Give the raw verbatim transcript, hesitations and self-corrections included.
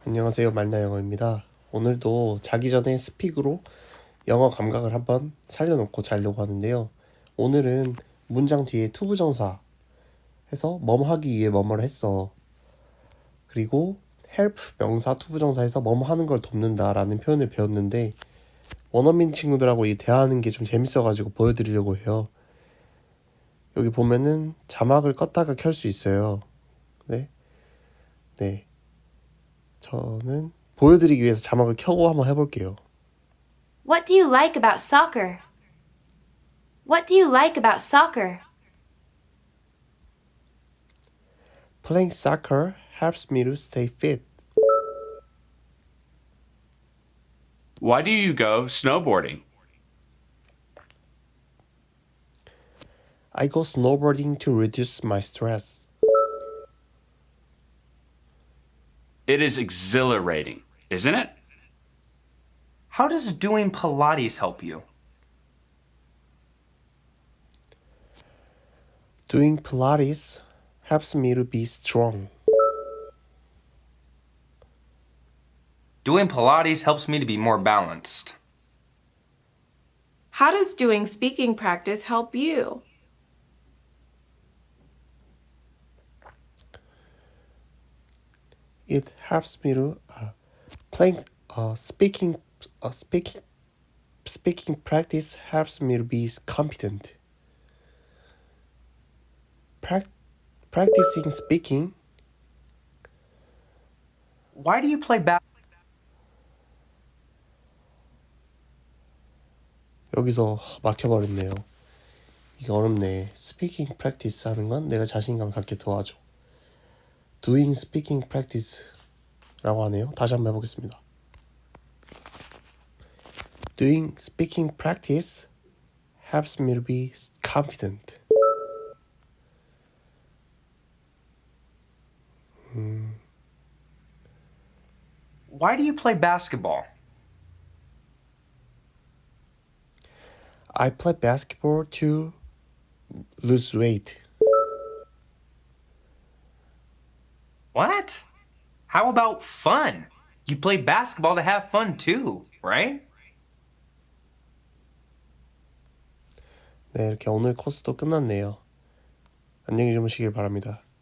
안녕하세요, 말나 영어입니다. 오늘도 자기 전에 스픽으로 영어 감각을 한번 살려놓고 자려고 하는데요. 오늘은 문장 뒤에 투부정사 해서 뭐뭐 하기 위해 뭐뭐를 했어. 그리고 help 명사 투부정사에서 뭐뭐 하는 걸 돕는다 라는 표현을 배웠는데 원어민 친구들하고 이 대화하는 게 좀 재밌어가지고 보여드리려고 해요. 여기 보면은 자막을 껐다가 켤 수 있어요. 네, 네. 저는 보여드리기 위해서 자막을 켜고 한번 해볼게요. What do you like about soccer? What do you like about soccer? Playing soccer helps me to stay fit. Why do you go snowboarding? I go snowboarding to reduce my stress. It is exhilarating, isn't it? How does doing Pilates help you? Doing Pilates helps me to be strong. Doing Pilates helps me to be more balanced. How does doing speaking practice help you? It helps me to uh, playing uh, speaking uh, speaking speaking practice helps me to be competent. Prac- practicing speaking Why do you play ba- 여기서 막혀버렸네요. 이게 어렵네. Speaking practice 하는 건 내가 자신감 갖게 도와줘. Doing speaking practice라고 하네요. 다시 한번 해보겠습니다. Doing speaking practice helps me to be confident. 음, Why do you play basketball? I play basketball to lose weight. What? How about fun? You play basketball to have fun too, right? 네, 이렇게 오늘 코스도 끝났네요. 안녕히 주무시길 바랍니다.